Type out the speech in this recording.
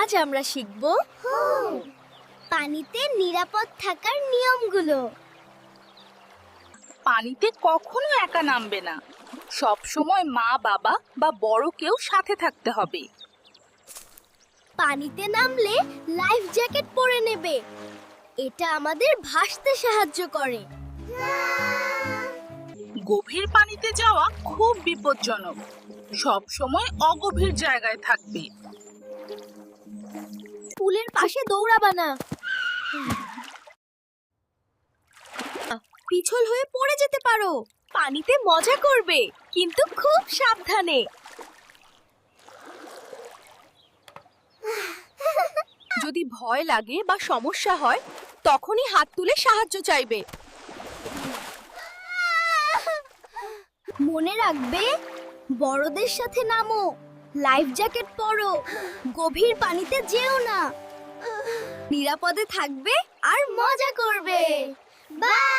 আজ আমরা শিখব পানিতে নিরাপদ থাকার নিয়মগুলো। পানিতে কখনো একা নামবে না, সব সময় মা বাবা বা বড় কেউ সাথে থাকতে হবে। পানিতে নামলে লাইফ জ্যাকেট পরে নেবে, এটা আমাদের ভাসতে সাহায্য করে। গভীর পানিতে যাওয়া খুব বিপজ্জনক, সব সময় অগভীর জায়গায় থাকবে। পুলের পাশে দৌড়াবা না, পিছল হয়ে পড়ে যেতে পারো। পানিতে মজা করবে, কিন্তু খুব সাবধানে। যদি ভয় লাগে বা সমস্যা হয়, তখনই হাত তুলে সাহায্য চাইবে। মনে রাখবে, বড়দের সাথে নামো, লাইফ জ্যাকেট পরো, গভীর পানিতে যেও না। নিরাপদে থাকবে আর মজা করবে। বাই।